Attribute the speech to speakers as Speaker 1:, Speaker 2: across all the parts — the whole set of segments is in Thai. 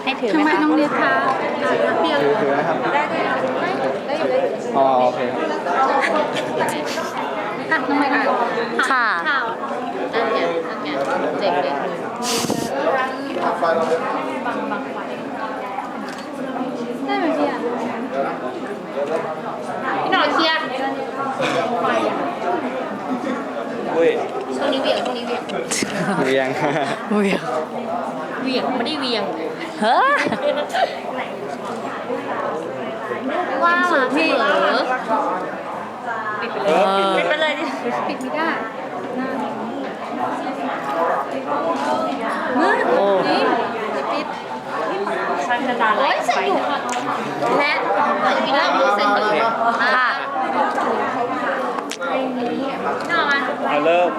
Speaker 1: ให้ถือ
Speaker 2: ทำ
Speaker 1: ไห
Speaker 2: ไม
Speaker 1: มคะ
Speaker 2: น้องเรียนคะเพียง
Speaker 3: ถือนะครับอ๋อโอเคครับ
Speaker 2: ค่ะน้องไม่ค่ะ
Speaker 1: ค่ะ
Speaker 2: ข่าว
Speaker 1: อันเนี้ยเจ๋งเลย
Speaker 2: ได้ไหมพี่อ่ะ
Speaker 1: พี่หน่อยเคลียร์
Speaker 3: อุ้ย
Speaker 1: ช่วงนี้เวียงช่วงนี้เวียง
Speaker 3: เรียง
Speaker 1: เวียงเวียงไม่ได้เวียงเฮ้อว่ามาพี่ปิดไปเลยดิ
Speaker 2: ปิดไม่ได้
Speaker 3: โอ้
Speaker 2: นี่ปิด
Speaker 1: โอ้ยเซ็นอยู่และมีเรื่องดูเซ็นอยู่ค่ะน่ามา
Speaker 3: เอาเริ่ม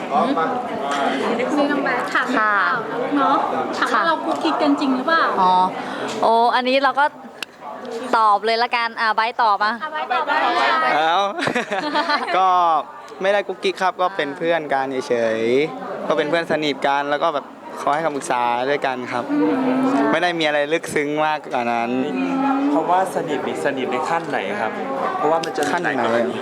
Speaker 2: มีน้องแบทถามข่าวเนาะถามว่าเราคุกกิ๊กกันจริงหรือเปล่า
Speaker 1: อ๋อโอ้อันนี้เราก็ตอบเลยละกันใบตอบมา
Speaker 2: ไปต่อไป
Speaker 3: แล้ว ก็ไม่ได้กุ๊กกิ๊กครับ ก็เป็นเพื่อนกันเฉยๆ ก็เป็นเพื่อนสนิทกัน แล้วก็แบบขอให้คำปรึกษาด้วยกันครับ ไม่ได้มีอะไรลึกซึ้งมากกว่านั้น
Speaker 4: เพราะว่าสนิทนี่สนิทในขั้นไหนครับ เพราะว่ามันจะมี
Speaker 3: ขั้นไหน
Speaker 4: ลายกรณี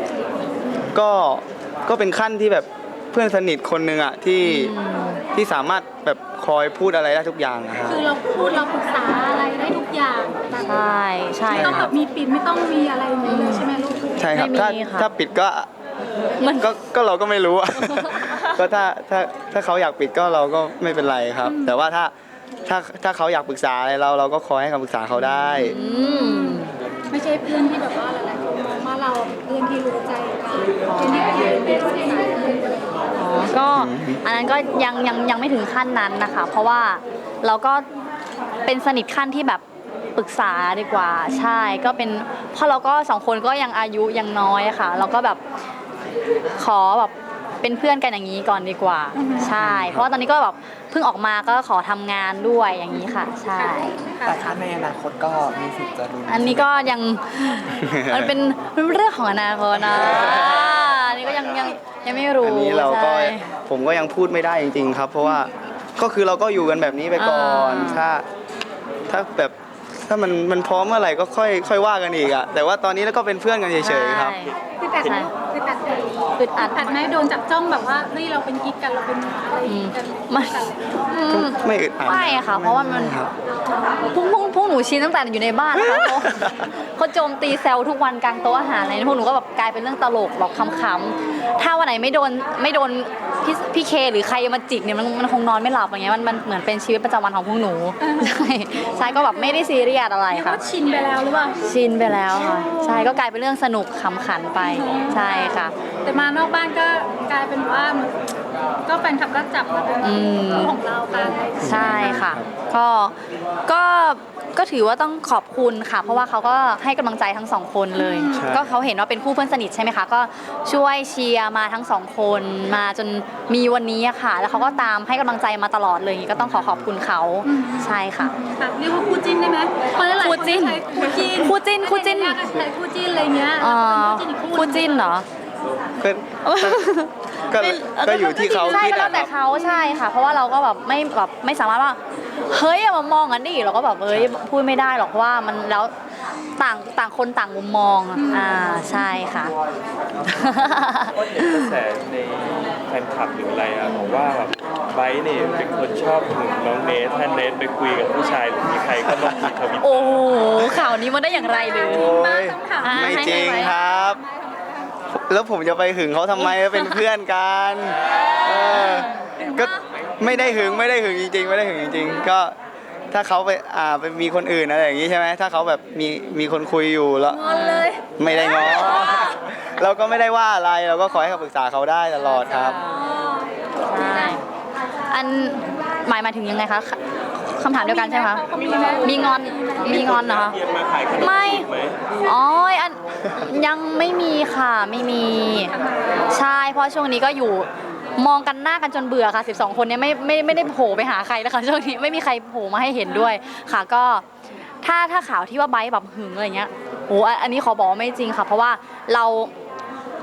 Speaker 3: ก็เป็นขั้นที่แบบเพื่อนสนิทคนหนึ่งอะที่สามารถแบบคอยพูดอะไรได้ทุกอย่างนะครับ
Speaker 2: คือเราพูดเราปรึกษาอะไรได้ทุกอย่างแบบ
Speaker 1: ใช่ใช่
Speaker 2: ไม่ต้อง
Speaker 1: ค
Speaker 2: แบ
Speaker 1: รับบ
Speaker 2: มีปิดไม่ต้องมีอะไรอย่างนี้เลยใช่ไหมลูก
Speaker 3: ใช่ครับ
Speaker 1: ไม่
Speaker 3: ถ้า
Speaker 1: มีค่ะ
Speaker 3: ถ้าปิดก็
Speaker 1: มัน
Speaker 3: ก็เราก็ไม่รู้อะ ก็ถ้าเขาอยากปิดก็เราก็ไม่เป็นไรครับ แต่ว่าถ้าเขาอยากปรึกษาอะไรเราก็คอยให้คำปรึกษาเขาได้
Speaker 1: อืม
Speaker 2: ไม่ใช่เพื่อนที่แบบว่าหลายๆคนมองว่าเราเพื่อนที่รู้ใจกันเป็นที่คุยเป็นที่ไหน
Speaker 1: อ๋อก็อันนั้นก็ยังไม่ถึงขั้นนั้นนะคะ เพราะว่าเราก็เป็นสนิทขั้นที่แบบปรึกษาดีกว่า ใช่ก็เป็นเพราะเราก็สองคนก็ยังอายุยังน้อยอะค่ะ เราก็แบบขอแบบเป็นเพื่อนกันอย่างนี้ก่อนดีกว่า ใช่ เพราะว่าตอนนี้ก็แบบเพิ่งออกมาก็ขอทำงานด้วยอย่างนี้ค่ะ ใช่
Speaker 4: แต่ถ้าในอนาคตก็มีสิทธิ์จะรุน
Speaker 1: อันนี้ก็ยัง มันเป็นเรื่องของอนาคตนะอันนี้ก็ยังไม่รู้
Speaker 3: อันนี้เราก็
Speaker 1: ใช่
Speaker 3: ผมก็ยังพูดไม่ได้จริงๆครับ เพราะว่าก็คือเราก็อยู่กันแบบนี้ไปก่อน ถ้าแบบถ้ามันพร้อมเมื่อไหร่ก็ค่อยว่ากันอีกอะแต่ว่าตอนนี้เราก็เป็นเพื่อนกันเฉยๆครับ
Speaker 2: คือแต่คือแต่
Speaker 1: อึดอัด
Speaker 2: อัดไหมโดนจับจ้องแบบว่าเฮ้ยเราเป็นกิ๊กกันเราเป็นอะไรกัน
Speaker 1: มันอืม
Speaker 3: ไม่อึดอัด
Speaker 1: ไม่ค่ะ เพราะว่ามัน
Speaker 3: ครับ
Speaker 1: พวกหนูชินตั้งแต่อยู่ในบ้านนะคะเขาโจมตีแซวทุกวันกลางโต๊ะอาหารอะไรพวกหนูก็แบบกลายเป็นเรื่องตลกแบบขำๆถ้าวันไหนไม่โดนพี่เคหรือใครมาจิกเนี่ยมันคงนอนไม่หลับอย่างเงี้ยมันเหมือนเป็นชีวิตประจำวันของพวกหนูใช่ก็แบบไม่ได้ซีเรียสอะไร
Speaker 2: เรียก
Speaker 1: ค่ะ
Speaker 2: ว่าชินไปแล้วหรือเปล่า
Speaker 1: ชินไปแล้วค่ะใช่ก็กลายเป็นเรื่องสนุกขำขันไปใช่ค่ะ
Speaker 2: แต่มานอกบ้านก็กลายเป็นว่าเหมือนก็แฟนคลับก็จับมาเป็นคู่ของเรากัน
Speaker 1: ใช่ค่ะก็ก็ถือว่าต้องขอบคุณค่ะ เพราะว่าเขาก็ให้กำลังใจทั้งสองคนเลย
Speaker 3: ใช่
Speaker 1: ก็เขาเห็นว่าเป็นคู่เพื่อนสนิทใช่ไหมคะก็ช่วยเชียร์มาทั้งสองคนมาจนมีวันนี้อะค่ะ แล้วเขาก็ตามให้กำลังใจมาตลอดเลยอย่างนี้ก็ต้องขอบคุณเขาใช่ค่ะ
Speaker 2: แบบเรียกว่าคู่จิ้นได้ไหมเพราะหลายๆคนใช้คู่จิ้น
Speaker 1: คู่จิ้นคู่จิ้น
Speaker 2: ใช้คู่จิ้นอะไรเงี้ย
Speaker 1: อ๋อ
Speaker 2: แล้วเป็น
Speaker 1: คู่จิ้นเหรอ
Speaker 3: ก็ก็อยู่ที่เขา
Speaker 1: ใช่
Speaker 3: คิด
Speaker 1: ก็แล้ว
Speaker 3: อะค
Speaker 1: แต่
Speaker 3: รับ
Speaker 1: เขาใช่ค่ะ เพราะว่าเราก็แบบไม่สามารถว่าเฮ้ยอย่ามามองกันดิเราก็แบบเฮ้ยพูดไม่ได้หรอกเพราะว่ามันแล้วต่างคนต่างมุมมองใช่ค่ะ
Speaker 4: ก็เห็นกระแสในแฟนคลับหรืออะไรอะบอกว่าแบบไบร์ทเนี่ยเป็นคนชอบหึงน้องเนทถ้าเนทไปคุยกับผู้ชายหรือมีใครก็ต้องมีทวิต
Speaker 1: โอ้โหข่าวนี้มันได้อย่างไรหรือ
Speaker 3: โอ้ย
Speaker 2: ต้องถาม
Speaker 3: ไม่จริงครับ แล้วผมจะไปหึงเขาทำไมเป็นเพื่อนกันก็ไม่ได้หึงจริงๆ ไม่ได้หึงจริงๆ ก็ถ้าเขาไปมีคนอื่นอะไรอย่างนี้ใช่ไหมถ้าเขาแบบมีคนคุยอยู่แล้ว
Speaker 2: งอนเลย
Speaker 3: ไม่ได้ง้อ เราก็ไม่ได้ว่าอะไรเราก็ขอให้คำปรึกษาเขาได้ตลอดครับ
Speaker 1: ใช่อันหมายถึงยังไงคะคำถามเดียวกันใช่ไหมคะมีงอนเหรอคะ
Speaker 4: เรียนมาขายขนม
Speaker 1: ไม่
Speaker 4: จีบไหม
Speaker 1: อ๋ออันยังไม่มีค่ะไม่มีใช่เพราะช่วงนี้ก็อยู่มองกันหน้ากันจนเบื่อค่ะ12คนเนี้ไม่ได้โผล่ไปหาใครแล้วค่ะช่วงนี้ไม่มีใครโผล่มาให้เห็นด้วยค่ะก็ถ้าข่าวที่ว่าไบร์ทแบบหึงอะไรเงี้ยโอ้อันนี้ขอบอกว่าไม่จริงค่ะ เพราะว่าเรา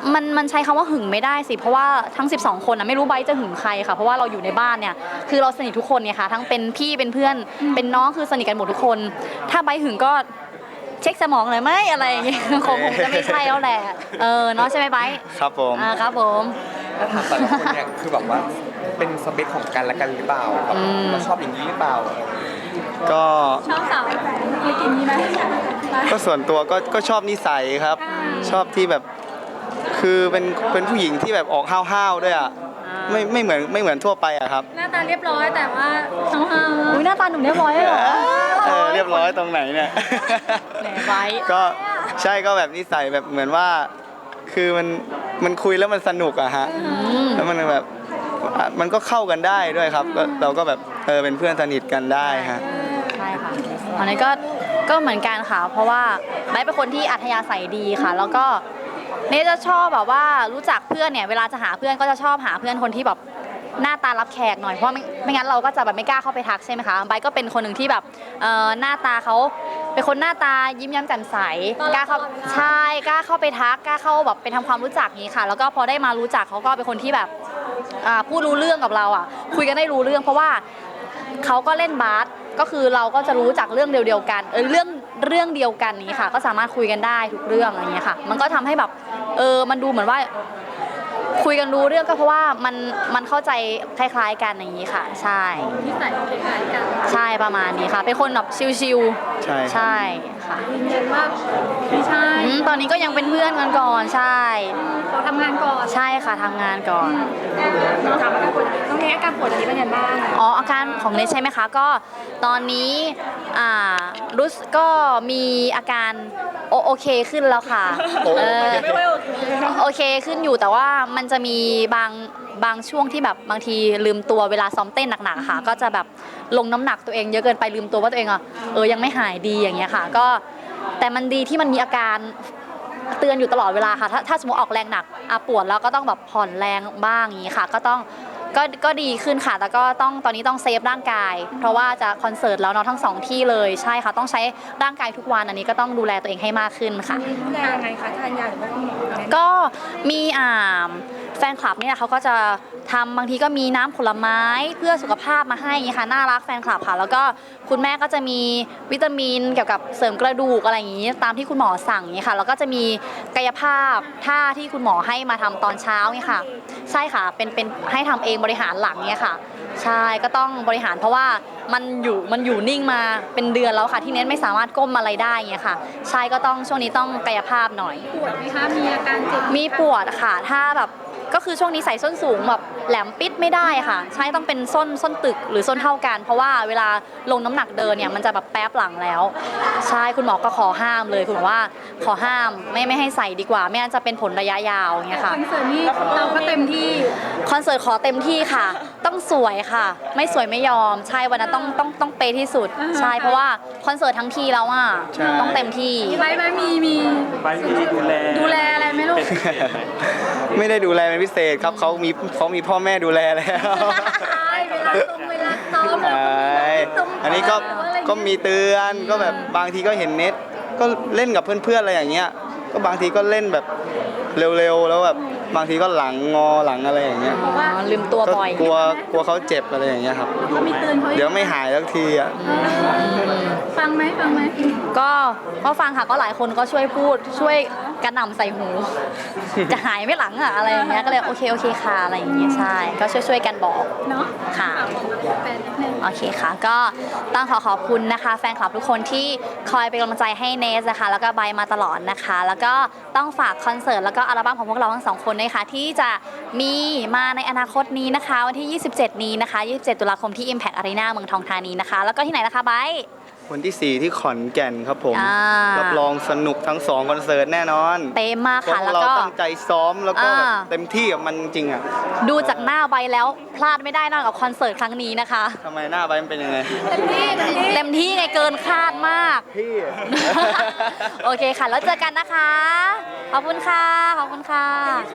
Speaker 1: มันใช้คำว่าหึงไม่ได้สิเพราะว่าทั้ง 12 คนนะไม่รู้ไบร์ทจะหึงใครค่ะเพราะว่าเราอยู่ในบ้านเนี่ยคือเราสนิททุกคนเนี่ยค่ะทั้งเป็นพี่เป็นเพื่อนเป็นน้องคือสนิทกันหมดทุกคน ถ้าไบร์ทหึงก็เช็คสมองเลยไหมอะไรอย่างเงี้ยคงจะไม่ใช่แล้วแหละเนาะใช่ไหมไบร์ท
Speaker 3: ครับผม
Speaker 1: ครับผม
Speaker 5: ถ้าถามแต่ละคนเนี่ยคือแบบว่าเป็นสเปคของกันและกันหรือเปล่าแบบเราชอบอย่างนี้หรือเปล่า
Speaker 3: ก็
Speaker 2: ชอบสาวเคยกินนี้ไหม
Speaker 3: ก็ส่วนตัวก็ชอบนิสัยครับ ชอบที่แบบคือเป็นผู้หญิงที่แบบออกห้าวๆด้วยอ่ะไม่เหมือนทั่วไปอ่ะครับ
Speaker 2: หน้าตาเรียบร้อยแต่ว่าห้าว
Speaker 1: อุ้ยหน้าตาหนุ่มเรียบร้อยเลยเหรอ
Speaker 3: เรียบร้อยตรงไหนเนี่ย
Speaker 1: แหมไบร์ท
Speaker 3: ก็ใช่ก็แบบนิสัยแบบเหมือนว่า คือมันคุยแล้วมันสนุกอะฮะแล้วมันแบบมันก็เข้ากันได้ด้วยครับเราก็แบบเป็นเพื่อนสนิทกันได้ฮะ
Speaker 1: ใช่ค่ะตอนนี้ก็เหมือนกันค่ะ เพราะว่าไบร์ทเป็นคนที่อัธยาศัยดีค่ะ แล้วก็เนจะชอบแบบว่ารู้จักเพื่อนเนี่ยเวลาจะหาเพื่อนก็จะชอบหาเพื่อนคนที่แบบหน้าตารับแขกหน่อยเพราะไม่งั้นเราก็จะแบบไม่กล้าเข้าไปทักใช่ไหมคะไบร์ทก็เป็นคนหนึ่งที่แบบหน้าตาเขาเป็นคนหน้าตายิ้มแย้มแจ่มใสกล้าเข้าใช่กล้าเข้าไปทักกล้าเข้าแบบไปทำความรู้จักนี้ค่ะ แล้วก็พอได้มารู้จักเขาก็เป็นคนที่แบบพูดรู้เรื่องกับเราอ่ะคุยกันได้รู้เรื่องเพราะว่าเขาก็เล่นบาสก็คือเราก็จะรู้จักเรื่องเดียวกันเรื่องเดียวกันนี้ค่ะ ก็สามารถคุยกันได้ทุกเรื่องอะไรเงี้ยค่ะ มันก็ทำให้แบบมันดูเหมือนว่าคุยกันรู้เรื่องก็เพราะว่ามันเข้าใจคล้ายๆกันอย่างนี้ค่ะ ใช่
Speaker 2: ๆนิสัยคล้ายๆกัน
Speaker 1: ใช่ประมาณนี้ค่ะ เป็นคนแบบชิล
Speaker 3: ใช่
Speaker 1: ๆใช่ค่ะ
Speaker 2: ยืนยันว่าไม่ใช่
Speaker 1: ตอนนี้ก็ยังเป็นเพื่อนกันก่อนใช่
Speaker 2: ขอทำงานก่อน
Speaker 1: ใช่ค่ะทำงานก่อน
Speaker 2: เราถามอาการป่วยต้องเนี้อาการป่วยตอนนี้เป็นยังไงบ้าง
Speaker 1: อ๋ออาการของเนทใช่ไหมคะก็ตอนนี้รู้สึกก็มีอาการโอเคขึ้นแล้วค่ะไม่ค่อยโอเคขึ้นอยู่แต่ว่ามันจะมีบางช่วงที่แบบบางทีลืมตัวเวลาซ้อมเต้นหนักๆค่ะก็จะแบบลงน้ำหนักตัวเองเยอะเกินไปลืมตัวว่าตัวเองยังไม่หายดีอย่างเงี้ยค่ะก็แต่มันดีที่มันมีอาการเตือนอยู่ตลอดเวลาค่ะถ้าสมมติออกแรงหนักปวดแล้วก็ต้องแบบผ่อนแรงบ้างอย่างนี้ค่ะก็ดีขึ้นค่ะแล้วก็ตอนนี้ต้องเซฟร่างกาย เพราะว่าจะคอนเสิร์ตแล้วเนาะทั้ง2ที่เลยใช่ค่ะต้องใช้ร่างกายทุกวันอันนี้ก็ต้องดูแลตัวเองให้มากขึ้นค่ะ
Speaker 2: ดูแลยังไงคะทานยาหรือว่าคุณหมอแนะนำ
Speaker 1: ก็มีแฟนคลับเนี่ยเขาก็จะทำบางทีก็มีน้ำผลไม้เพื่อสุขภาพมาให้อย่างนี้ค่ะน่ารักแฟนคลับค่ะแล้วก็คุณแม่ก็จะมีวิตามินเกี่ยวกับเสริมกระดูกอะไรอย่างนี้ตามที่คุณหมอสั่งอย่างนี้ค่ะแล้วก็จะมีกายภาพท่าที่คุณหมอให้มาทำตอนเช้าเนี่ยค่ะใช่ค่ะเป็นให้ทำเองบริหารหลังเนี่ยค่ะใช่ก็ต้องบริหารเพราะว่ามันอยู่นิ่งมาเป็นเดือนแล้วค่ะที่เน้นไม่สามารถก้มอะไรได้เงี้ยค่ะใช่ก็ต้องช่วงนี้ต้องกายภาพหน่อย
Speaker 2: ปวดไหมคะมีอาการเจ็บ
Speaker 1: มีปวดค่ะถ้าแบบก็คือช่วงนี้ใส่ส้นสูงแบบแหลมปิดไม่ได้ค่ะ ใช่ต้องเป็นส้นตึกหรือส้นเท่ากัน เพราะว่าเวลาลงน้ำหนักเดินเนี่ยมันจะแบบแป๊บหลังแล้ว ใช่คุณหมอก็ขอห้ามเลยคุณหมอว่าขอห้ามไม่ให้ใส่ดีกว่าไม่งั้นจะเป็นผลระยะยาวอย่างเงี้ยค่ะ
Speaker 2: คอนเสิร์ตนี้เราก็เต็มที่
Speaker 1: คอนเสิร์ตขอเต็มที่ค่ะ ต้องสวยค่ะ ไม่สวยไม่ยอม ใช่วันนั้นต้องเปย์ที่สุด ใช่เพราะว่าคอนเสิร์ตทั้งทีแล้วอ่ะต้องเต็มที่
Speaker 2: ไว้มี
Speaker 4: ไปที่ดูแล
Speaker 2: ดูแลอะไรไหมลูก
Speaker 4: เป็นพิเศษไหม
Speaker 3: ไม่ได้ดูแลเป็นพิเศษครับเขามีพ่อแม่ดูแลแล้ว
Speaker 2: ใช่เวลาซ้อม
Speaker 3: ใช่อันนี้ก็มีเตือนก็แบบบางทีก็เห็นเน็ตก็เล่นกับเพื่อนๆอะไรอย่างเงี้ยก็บางทีก็เล่นแบบเร็วๆแล้วแบบบางทีก็หลังงอหลังอะไรอย่างเงี้ย
Speaker 1: อ๋อลืมตัว
Speaker 3: ก็
Speaker 1: บ่อย
Speaker 3: กลัวเขาเจ็บอะไรอย่างเงี้ยครับ
Speaker 2: เขามีเตือนเขา
Speaker 3: เดี๋ยวไม่หายสักทีอ่ะ
Speaker 2: ฟังไหม
Speaker 1: ก็ฟังค่ะก็หลายคนก็ช่วยพูดช่วยกระหน่ำใส่หู จะหายไม่หลังอะอะไรอย่างเงี้ยก็เลยโอเคค่ะอะไรอย่างเงี้ยใช่ก็ช่วยกันบอก
Speaker 2: เนาะ
Speaker 1: ค่ะ
Speaker 2: แฟนนิดนึง
Speaker 1: โอเคค่ะก็ต้องขอบคุณนะคะแฟนคลับทุกคนที่คอยเป็นกำลังใจให้เนสนะคะแล้วก็ไบร์ทมาตลอดนะคะ แล้วก็ต้องฝากคอนเสิร์ตแล้วก็อัลบั้มของพวกเราทั้งสองคนนะคะที่จะมีมาในอนาคตนี้นะคะวันที่ 27 นี้นะคะ 27 ตุลาคมที่ Impact Arena เมืองทองธานีนะคะ แล้วก็ที่ไหนนะคะไบร์ท
Speaker 3: วันที่ 4 ที่ขอนแก่นครับผม
Speaker 1: อ่ารั
Speaker 3: รับรองสนุกทั้ง2คอนเสิร์ตแน่นอน
Speaker 1: เต็มมาก
Speaker 3: พว
Speaker 1: ค่ะ
Speaker 3: ก
Speaker 1: แล้ว
Speaker 3: เรา
Speaker 1: ก็
Speaker 3: ตั้งใจซ้อมแล้วก็
Speaker 1: อ่า
Speaker 3: เต็มที่กับมันจริงอ่ะ
Speaker 1: ดูจากหน้าไบร์ทแล้วพลาดไม่ได้นอกจากคอนเสิร์ตครั้งนี้นะคะ
Speaker 3: ทำไมหน้าใบมันเป็นยังไง
Speaker 1: เต็มที่ไงเกินคาดมาก
Speaker 3: พี่
Speaker 1: โอเคค่ะ แล้วเจอกันนะคะ ขอบคุณค่ะ